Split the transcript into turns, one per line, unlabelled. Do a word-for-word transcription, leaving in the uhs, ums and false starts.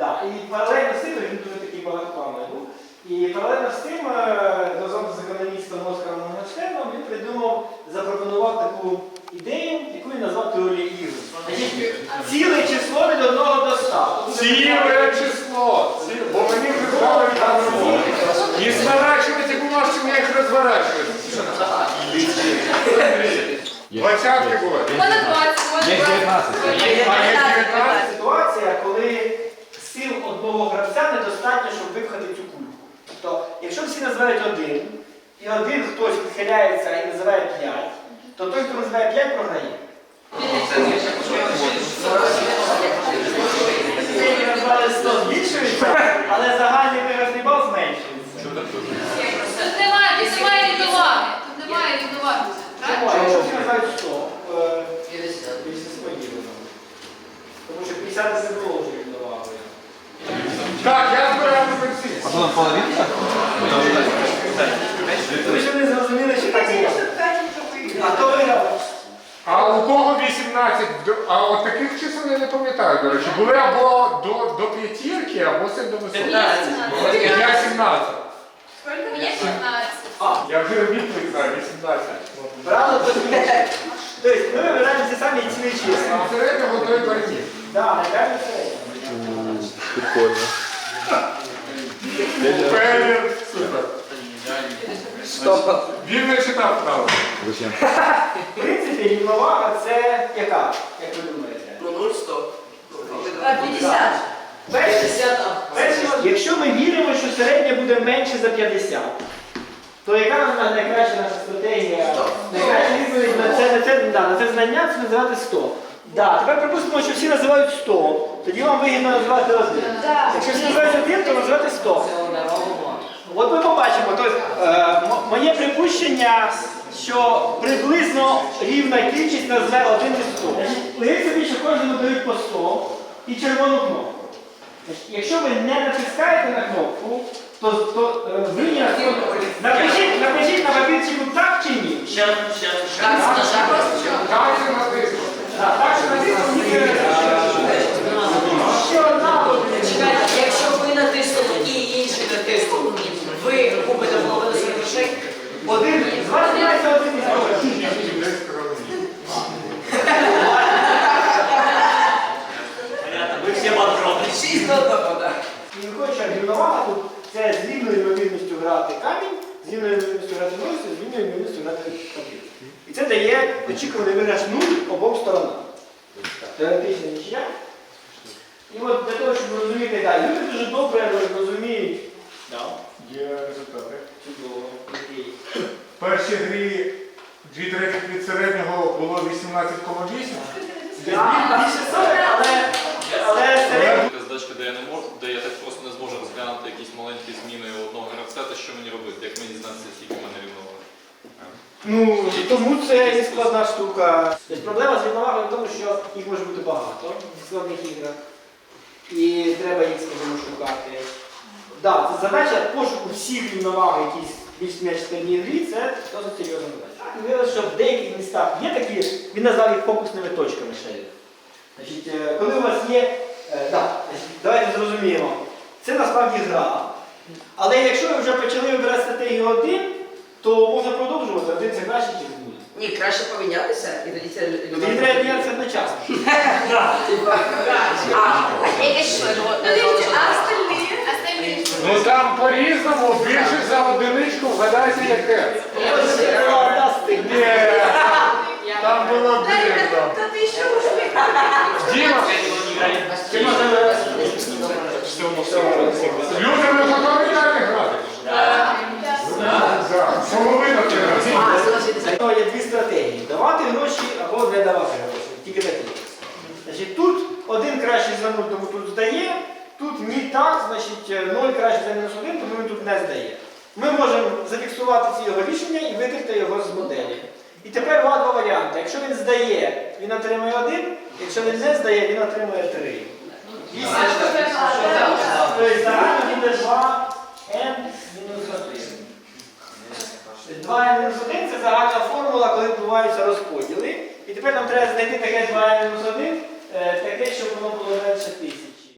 Да. І паралельно з цим, він дуже такий багатоплановий був, і паралельно з цим, разом з економістом Оскаром Моргенштерном, він придумав, запропонував таку ідею, яку він назвав теорією ігор. Ціле число від одного до ста.
Ціле число! Бо мені вже здали там і зворачувати бумажки, я їх розворачую. Двадцятки були.
У мене двадцять.
Є дев'ятнадцять.
А є дев'ятнадцять?
Ситуація, коли сил одного гравця недостатньо, щоб випхати цю кульку. Тобто, якщо всі називають один, і один хтось відхиляється і називає п'ять, то той, хто називає п'ять, програє. Сьогодні назвали сто збільшується, але загальний виразний бал зменшується.
Тут немає, тут немає рівноваги. Тут немає рівноваги.
Чому? Якщо всі називають сто, більше сподівано. Тому що п'ятдесят не було вже рівновагою.
Так, я збираю на пенсію.
А то на половину?
Ви ж не зрозуміли, що так є. А хто виграв?
А у кого вісімнадцять? А от таких чисел я не пам'ятаю, до речі. Були або до, до п'ятірки, або це до висоти. Я сімнадцять.
Мені шістнадцять.
Я вже відповідь знаю, вісімнадцять.
Правда, то змінює. Тобто ми вибираємо ці самі цілі числа.
А середнього той парні.
Так, найкраще середньо.
Прикольно.
Пелір, супер. Він не читав правду.
Зачем?
В принципі, рівновага це яка, як ви думаєте?
Ну, нуль сто.
п'ятдесят.
Перше, перше, якщо ми віримо, що середня буде менше за п'ятдесят, то яка нам найкраща наша стратегія? Найкраща відповідь на це, на це, да, на це знання це називати сто. Да, тепер припустимо, що всі називають сто, тоді вам вигідно називати один. Якщо всі називають один, то називати сто. От ми побачимо, тобто, е, моє припущення, що приблизно рівна кількість назве один із сто. Уявіть собі, що кожному дають по сто і червону кнопку. Якщо ви не натискаєте на кнопку, то, то е, ви не напишіть, напишіть на папірчику так чи ні.
Ще, ще, ще.
Так, це натиснути.
Так, так що натиснути ні. Ще одна.
Чекайте, якщо ви натиснули і інші натиснули, ви купите половину своїх грошей.
Один, з вас знімається один із грошей.
Ви всі подробні. Шість до одного, так.
І виходить, що рівновага тут це з рівною ймовірністю грати камінь, з рівною ймовірністю грати носі, з рівною ймовірністю грати папір. І це дає очікуваний виграш нуль обом сторонам. Теоретична нічия. І от для того, щоб розуміти, да, люди дуже добре розуміють.
Є результати.
Чудово, окей.
В першій грі дві третіх від середнього було вісімнадцять цілих вісім.
Більше сорок, але, але середньо.
Задачка, де я не можу, де я так просто не зможу розглянути якісь маленькі зміни одного гравця, то що мені робити, як мені дізнатися, скільки в мене рівновага?
Ну, тому це і складна штука. Тобто проблема з рівновагою в тому, що їх може бути багато в складних іграх. І треба їх, скажімо, шукати. Да, це задача пошуку всіх рівноваг, які більш-менш складні грі, це досить серйозна задача. І виявилося, що в деяких містах є такі, він назвав їх фокусними точками шериф. Значить, коли у вас є, е, да, давайте зрозуміємо, це насправді гра. Але якщо ви вже почали вибирати стратегію один, то можна продовжувати, один це краще, ніж буде.
Ні, краще помінятися і тоді це...
Тоді треба мінятися одночасно.
Ну там по-різному, більше за одиничку вгадайте яке. Ні, там було дивно. Діма, люди, ви готові далі грати? Так. Половина треба.
Є дві стратегії. Давати гроші або не давати гроші. Тільки такі. Значить, тут один краще за нуль, тому тут здає. Тут ні так, значить ноль краще за мінус один, тому він тут не здає. Ми можемо зафіксувати ці його рішення і викрити його з моделі. І тепер два два варіанти. Якщо він здає, він отримує один, якщо він не здає, він отримує три. Тобто загально буде два ен мінус один. два ен мінус один це загальна формула, коли відбуваються розподіли. І тепер нам треба знайти таке два ен мінус один, таке, щоб воно було менше тисячі.